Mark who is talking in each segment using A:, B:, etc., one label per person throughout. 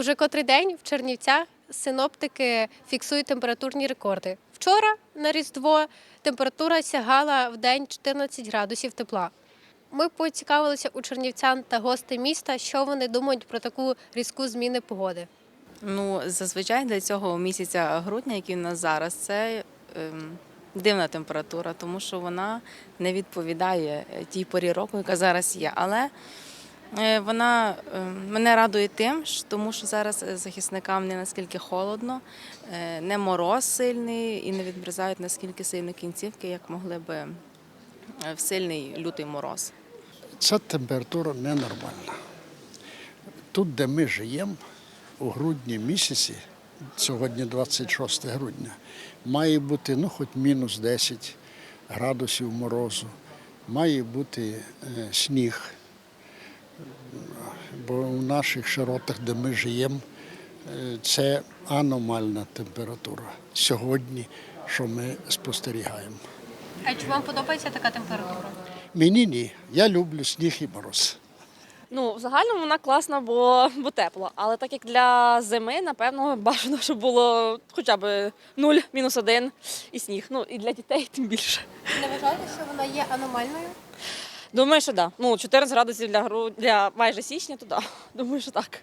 A: Уже котрий день в Чернівцях синоптики фіксують температурні рекорди. Вчора на Різдво температура сягала в день 14 градусів тепла. Ми поцікавилися у чернівцян та гостей міста, що вони думають про таку різку зміни погоди.
B: Зазвичай для цього місяця грудня, який у нас зараз, це дивна температура, тому що вона не відповідає тій порі року, яка зараз є. Але вона мене радує тим, тому що зараз захисникам не наскільки холодно, не мороз сильний і не відмерзають наскільки сильно кінцівки, як могли би в сильний лютий мороз.
C: Ця температура ненормальна. Тут, де ми живемо, у грудні місяці, сьогодні 26 грудня, має бути хоч мінус 10 градусів морозу, має бути сніг, бо в наших широтах, де ми живемо, це аномальна температура сьогодні, що ми спостерігаємо.
A: А чи вам подобається така температура?
C: Мені ні, я люблю сніг і мороз.
D: В загальному вона класна, бо тепло. Але так як для зими, напевно, бажано, щоб було хоча б 0, -1 і сніг. І для дітей тим більше.
A: Не вважаєте, що вона є аномальною?
D: Думаю, що так. 14 градусів для майже січня, то так. Думаю, що так.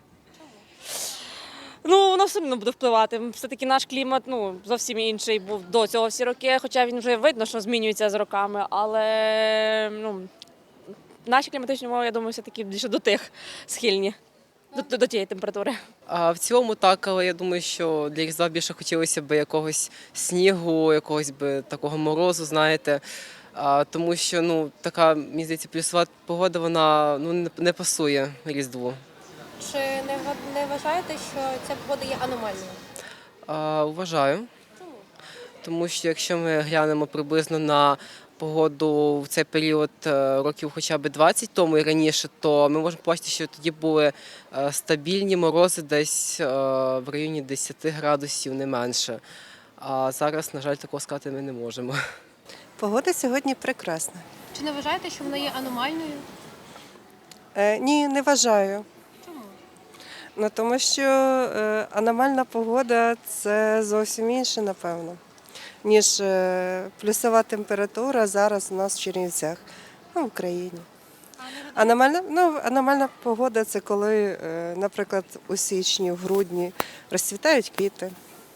D: Воно все одно буде впливати. Все-таки наш клімат зовсім інший був до цього всі роки, хоча він вже видно, що змінюється з роками, але наші кліматичні умови, я думаю, все-таки більше до тих схильні, до тієї температури.
E: А в цілому так, але я думаю, що для Різдва більше хотілося б якогось снігу, якогось би такого морозу, знаєте. Тому що така, мені здається, плюсова погода, вона не пасує Різдву.
A: Чи не вважаєте, що ця погода є аномальною?
E: Вважаю. Тому що якщо ми глянемо приблизно на погоду в цей період років хоча б 20 тому і раніше, то ми можемо побачити, що тоді були стабільні морози десь в районі 10 градусів, не менше. А зараз, на жаль, такого сказати ми не можемо.
F: Погода сьогодні прекрасна.
A: Чи не вважаєте, що вона є аномальною?
F: Ні, не вважаю.
A: Чому?
F: Тому що аномальна погода – це зовсім інше, напевно, ніж плюсова температура зараз у нас в Чернівцях, в Україні. Аномальна погода – це коли, наприклад, у січні, в грудні розцвітають квіти,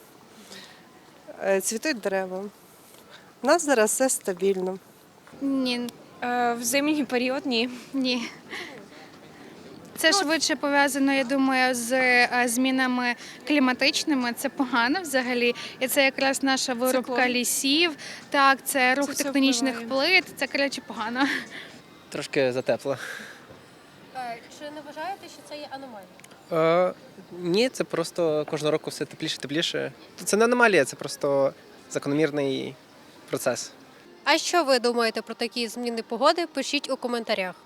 F: цвітуть дерева. У нас зараз все стабільно.
G: Ні, в зимній період ні. Ні. Це швидше пов'язано, я думаю, з змінами кліматичними. Це погано взагалі. І це якраз наша вирубка лісів. Так, це рух тектонічних плит. Це, коротше, погано.
H: Трошки затепло.
A: Чи не вважаєте, що це є аномальною?
H: Ні, це просто кожного року все тепліше і тепліше. Це не аномалія, це просто закономірний процес.
A: А що ви думаєте про такі зміни погоди? Пишіть у коментарях.